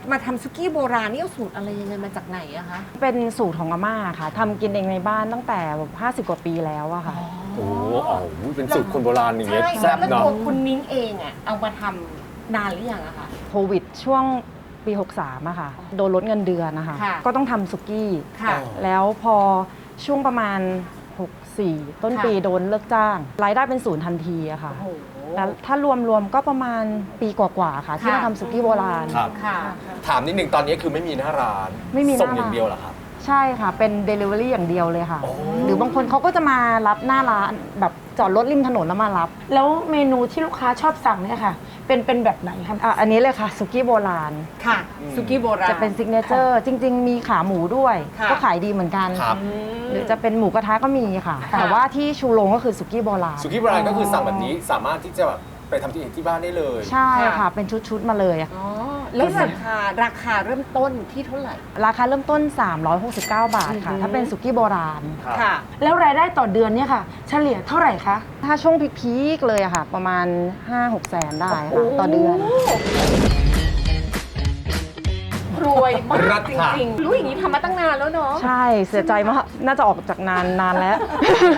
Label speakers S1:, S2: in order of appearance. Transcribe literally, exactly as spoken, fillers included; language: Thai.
S1: มาทำซุกี้โบราณนี่เอาสูตรอะไรยังไงมาจากไหนอะคะ
S2: เป็นสูตรของอาม่าค่ะทำกินเองในบ้านตั้งแต่แบบห้าสิบกว่าปีแล้วอะค่ะ
S3: โอ้โหอ๋อเป็นสูตรคนโบราณอย่างเงี้ย
S1: ใช่
S3: แซ่บ
S1: แล้ว
S3: เนาะ
S1: ตัวคุณนิ้งเองอะเอามาทำนานหรือยังอะคะ
S2: โควิดช่วงปี หกสามอะค่ะ โดนลดเงินเดือนนะคะ
S1: ค่ะ
S2: ก็ต้องทำสุกี้
S1: ค่ะ
S2: แล้วพอช่วงประมาณ หกสี่ ต้น
S1: ค่ะ
S2: ปีโดนเลิกจ้าง รายได้เป็นศูนย์ทันทีอะค่ะ
S1: โอ้โห
S2: แล้วถ้ารวมๆก็ประมาณปีกว่าๆค่ะ ที่
S1: ค่ะ
S2: มาทำสุกี้โบราณ
S3: ครับ
S1: ค่ะ
S3: ถามนิดนึงตอนนี้คือไม่มีหน้าร้าน
S2: ไม่มีหน้า
S3: ส่งอย่าง
S2: ร้าน
S3: เดียวเหรอครับ
S2: ใช่ค่ะ เป็น Delivery อย่างเดียวเลยค่ะ
S3: โอ้
S2: หรือบางคนเขาก็จะมารับหน้าร้านแบบจอดรถริมถนนแล้วมารับ
S4: แล้วเมนูที่ลูกค้าชอบสั่งเนี่ยค่ะ เป็นเป็นแบบไหนครับ
S2: อ่ะอันนี้เลยค่ะสุกี้โบราณ
S1: ค่ะซุกี้โบราณ
S2: จะเป็นซิกเนเจอร์จริง ๆ มีขาหมูด้วย
S1: ค่ะ
S2: ก็ขายดีเหมือนกัน
S3: ครับ
S1: อืม
S2: หรือจะเป็นหมูกระทะก็มีค่ะ
S1: ค่ะ
S2: แต่ว่าที่ชูโรงก็คือสุกี้โบราณ
S3: สุกี้โบราณก็คือสั่งแบบนี้สามารถที่จะแบบไปทำที่ที่บ้านได้เลย
S2: ใช่ค่ะ เป็นชุด ๆ มาเลยอะ
S1: อ๋อแล้วราคาราคาเริ่มต้นที่เท่าไหร่
S2: ราคาเริ่มต้น สามร้อยหกสิบเก้า บาทค่ะ
S1: อือหือ
S2: ถ้าเป็นสุกี้โบราณ
S3: ครับ
S1: ค่ะ
S4: แล้วรายได้ต่อเดือนเนี่ยค่ะ เฉลี่ยเท่าไหร่คะ
S2: ถ้าช่วงพีคๆเลยอะค่ะ ประมาณ ห้าหก แสนได้ค่ะต่อเดือน
S1: รวยมา
S3: รั
S1: ก
S3: ฐ
S1: จริงๆ รู้อย่างนี้ทำมาตั้งนานแล้วเนาะ
S2: ใช่เสียใจมากน่าจะออกจากนานนานแล้ว